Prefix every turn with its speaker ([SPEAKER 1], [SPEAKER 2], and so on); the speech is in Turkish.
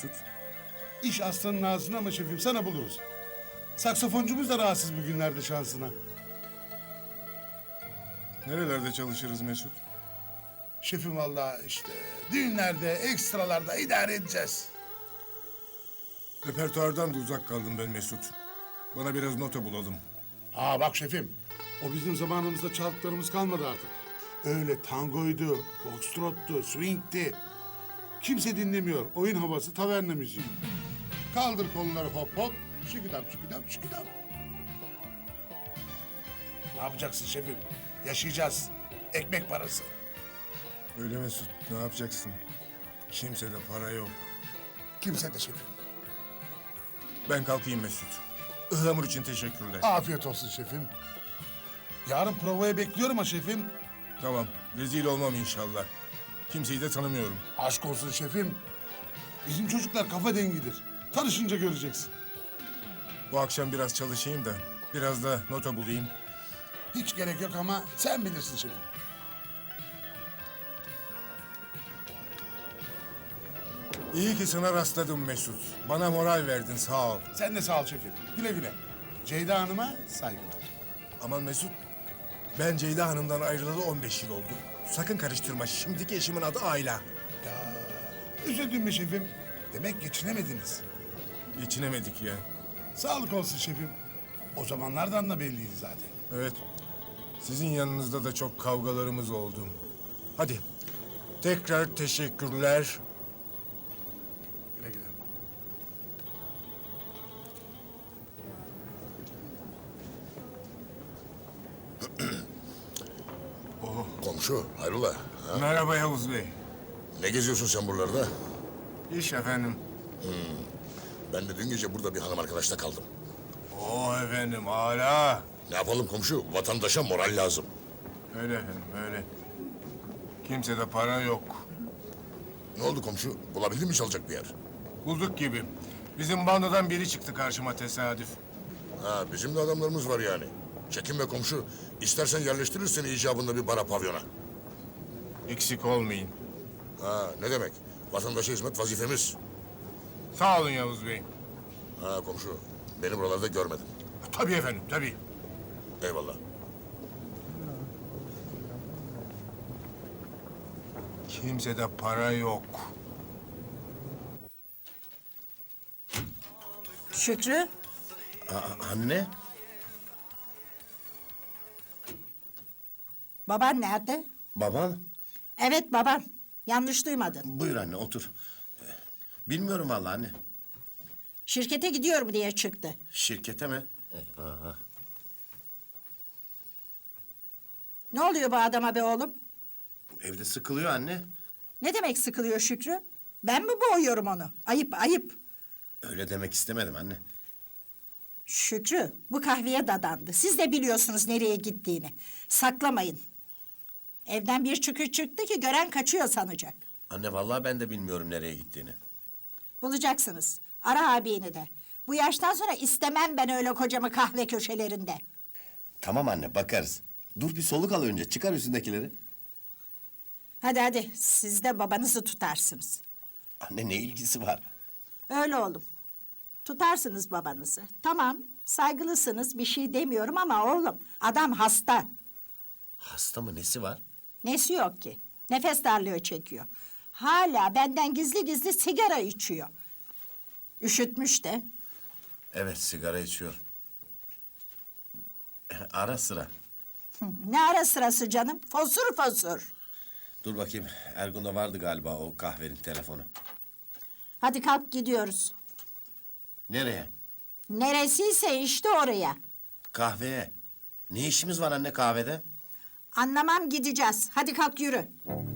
[SPEAKER 1] Mesut?
[SPEAKER 2] İş aslanın ağzına ama şefim sana buluruz. Saksafoncumuz da rahatsız bugünlerde şansına.
[SPEAKER 1] Nerelerde çalışırız Mesut?
[SPEAKER 2] Şefim vallahi işte düğünlerde, ekstralarda idare edeceğiz.
[SPEAKER 1] Repertuardan da uzak kaldım ben Mesut. Bana biraz nota bulalım.
[SPEAKER 2] Ha bak şefim, o bizim zamanımızda çaldıklarımız kalmadı artık. Öyle tangoydu, foxtrottu, swingti. Kimse dinlemiyor. Oyun havası, taverna müziği. Kaldır kolları hop hop, şıkıdam şıkıdam şıkıdam. Ne yapacaksın şefim? Yaşayacağız. Ekmek parası.
[SPEAKER 1] Öyle Mesut, ne yapacaksın? Kimsede para yok.
[SPEAKER 2] Kimse de şefim.
[SPEAKER 1] Ben kalkayım Mesut. Ihlamur için teşekkürler.
[SPEAKER 2] Afiyet olsun şefim. Yarın provaya bekliyorum ha şefim.
[SPEAKER 1] Tamam, rezil olmam inşallah. Kimseyi de tanımıyorum.
[SPEAKER 2] Aşk olsun şefim. Bizim çocuklar kafa dengidir. Tanışınca göreceksin.
[SPEAKER 1] Bu akşam biraz çalışayım da biraz da nota bulayım.
[SPEAKER 2] Hiç gerek yok ama sen bilirsin şefim.
[SPEAKER 1] İyi ki sana rastladım Mesut. Bana moral verdin, sağ ol.
[SPEAKER 2] Sen de sağ ol şefim. Güle güle. Ceyda Hanım'a saygılar.
[SPEAKER 1] Aman Mesut, ben Ceyda Hanım'dan ayrılalı 15 yıl oldu. Sakın karıştırma, şimdiki eşimin adı Ayla.
[SPEAKER 2] Ya üzüldün mü şefim? Demek geçinemediniz.
[SPEAKER 1] Geçinemedik ya.
[SPEAKER 2] Sağlık olsun şefim. O zamanlardan da belliydi zaten.
[SPEAKER 1] Evet, sizin yanınızda da çok kavgalarımız oldu. Hadi, tekrar teşekkürler.
[SPEAKER 2] Güle güle.
[SPEAKER 3] Komşu, hayrola? Ha?
[SPEAKER 1] Merhaba Yavuz Bey.
[SPEAKER 3] Ne geziyorsun sen buralarda?
[SPEAKER 1] İş efendim.
[SPEAKER 3] Ben de dün gece burada bir hanım arkadaşla kaldım.
[SPEAKER 1] Oo efendim, hala.
[SPEAKER 3] Ne yapalım komşu? Vatandaşa moral lazım.
[SPEAKER 1] Öyle efendim, öyle. Kimsede para yok.
[SPEAKER 3] Ne oldu komşu? Bulabildin mi çalacak bir yer?
[SPEAKER 1] Bulduk gibi. Bizim bandodan biri çıktı karşıma tesadüf.
[SPEAKER 3] Ha, bizim de adamlarımız var yani. Çekinme komşu. İstersen yerleştiririz seni icabında bir bara pavyona.
[SPEAKER 1] Eksik olmayın.
[SPEAKER 3] Ha, ne demek? Vatandaşa hizmet vazifemiz.
[SPEAKER 1] Sağ olun Yavuz Bey.
[SPEAKER 3] Ha komşu, beni buralarda görmedin.
[SPEAKER 1] Tabii efendim, tabii.
[SPEAKER 3] Eyvallah.
[SPEAKER 1] Kimsede para yok.
[SPEAKER 4] Şükrü,
[SPEAKER 5] Anne,
[SPEAKER 4] baban nerede?
[SPEAKER 5] baban.
[SPEAKER 4] Evet baban. Yanlış duymadın.
[SPEAKER 5] Buyur anne, otur. Bilmiyorum vallahi anne.
[SPEAKER 4] Şirkete gidiyorum diye çıktı.
[SPEAKER 5] Şirkete mi? Eyvah.
[SPEAKER 4] Ne oluyor bu adama be oğlum?
[SPEAKER 5] Evde sıkılıyor anne.
[SPEAKER 4] Ne demek sıkılıyor Şükrü? Ben mi boğuyorum onu? Ayıp ayıp.
[SPEAKER 5] Öyle demek istemedim anne.
[SPEAKER 4] Şükrü bu kahveye dadandı. Siz de biliyorsunuz nereye gittiğini. Saklamayın. Evden bir çıkış çıktı ki gören kaçıyor sanacak.
[SPEAKER 5] Anne vallahi ben de bilmiyorum nereye gittiğini.
[SPEAKER 4] Bulacaksınız. Ara abini de. Bu yaştan sonra istemem ben öyle kocamı kahve köşelerinde.
[SPEAKER 5] Tamam anne, bakarız. Dur bir soluk al önce, çıkar üstündekileri.
[SPEAKER 4] Hadi hadi siz de babanızı tutarsınız.
[SPEAKER 5] Anne ne ilgisi var?
[SPEAKER 4] Öyle oğlum. Tutarsınız babanızı. Tamam, saygılısınız, bir şey demiyorum ama oğlum, adam hasta.
[SPEAKER 5] Hasta mı, nesi var?
[SPEAKER 4] Nesi yok ki? Nefes darlığı çekiyor. Hala benden gizli gizli sigara içiyor. Üşütmüş de.
[SPEAKER 5] Evet, sigara içiyor. Ara sıra.
[SPEAKER 4] Ne ara sırası canım? Fosur fosur.
[SPEAKER 5] Dur bakayım, Ergun'da vardı galiba o kahvenin telefonu.
[SPEAKER 4] Hadi kalk gidiyoruz.
[SPEAKER 5] Nereye?
[SPEAKER 4] Neresiyse işte oraya.
[SPEAKER 5] Kahveye. Ne işimiz var anne kahvede?
[SPEAKER 4] Anlamam gideceğiz. Hadi kalk yürü.